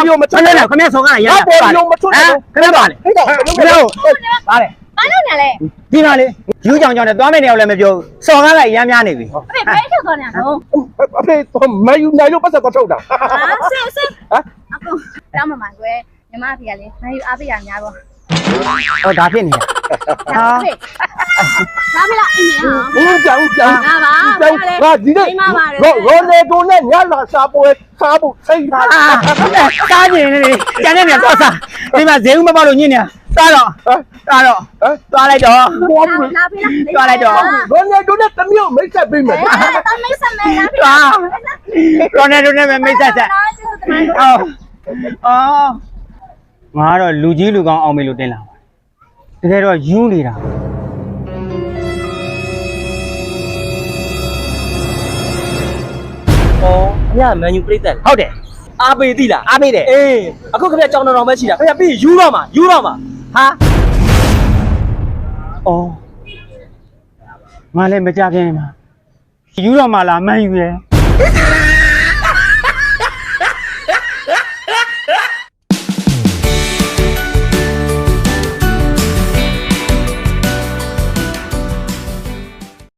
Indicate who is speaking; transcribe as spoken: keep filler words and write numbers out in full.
Speaker 1: မျိုးမထွက်နဲ့ခမရဆောင်းကလည်းရရပေါ်လုံးမထွက်နဲ့ခမရပါလေဟဲ့တော့ခမရပါလေ
Speaker 2: ဘာလို့နေလဲ
Speaker 1: ဒီမှာလေယူကြောင်ကြောင်နဲ့သွားမယ့်နေရာလည်းမပြောဆောင်းကားလိုက်ရမ်းများနေပြီ
Speaker 2: အဖေဘယ်ထုတ်သွားနေတော့
Speaker 3: အဖေမယူနိုင်လို့ပတ်သက်တော့ထုတ်တာ
Speaker 2: ဟာဆင်းဆင်းဟမ်အခုတောင်းမှမှာကွယ်ညီမဖေကလေမယူအားပေးရများပေါ့
Speaker 1: ဟောဒါဖြစ်နေတာ
Speaker 2: ဟာဒါဖေလားအင်း
Speaker 3: ဟင်းကြောင်ကြောင်
Speaker 2: ဒါပါ
Speaker 3: ငါဒီနေ့ရောရောနေတိုနဲ့ညလာစားပွဲစားဖို့စိတ်ထား
Speaker 1: စားကျင်နေလေကျန်နေတယ်တော့စားဒီမှာဈေးဦးမပေါလို့ညင်နေတာစားတော့စားတော့သွားလိုက်တော့
Speaker 2: လာဖေလား
Speaker 1: သွားလိုက်တော့
Speaker 3: ရောနေတိုနဲ့တမျိုးမိတ်ဆက်ပေးမယ်
Speaker 2: တော့မိတ်ဆက်မယ်လားဖေ
Speaker 1: ရောနေတိုနဲ့ပဲမိတ်ဆက်ဆက်အော်အော်ငါကတော့လူကြီးလူကောင်းအောင်မေးလို့တင်လာပါတကယ်တော့ယူးနေတာ
Speaker 4: အော်ခင်ဗျာမန်ယူပရိသတ်
Speaker 1: ဟုတ်တယ်
Speaker 4: အားပေးသိလား
Speaker 1: အားပေးတယ်
Speaker 4: အေးအခုခင်ဗျာကြောင်တော်တော်ပဲရှိတာခင်ဗျာပြီးယူတော့မှာယူတော့မှာ
Speaker 1: ဟာအော်ငါလည်းမကြခင်မှာယူတော့မှလားမန်ယူရဲ့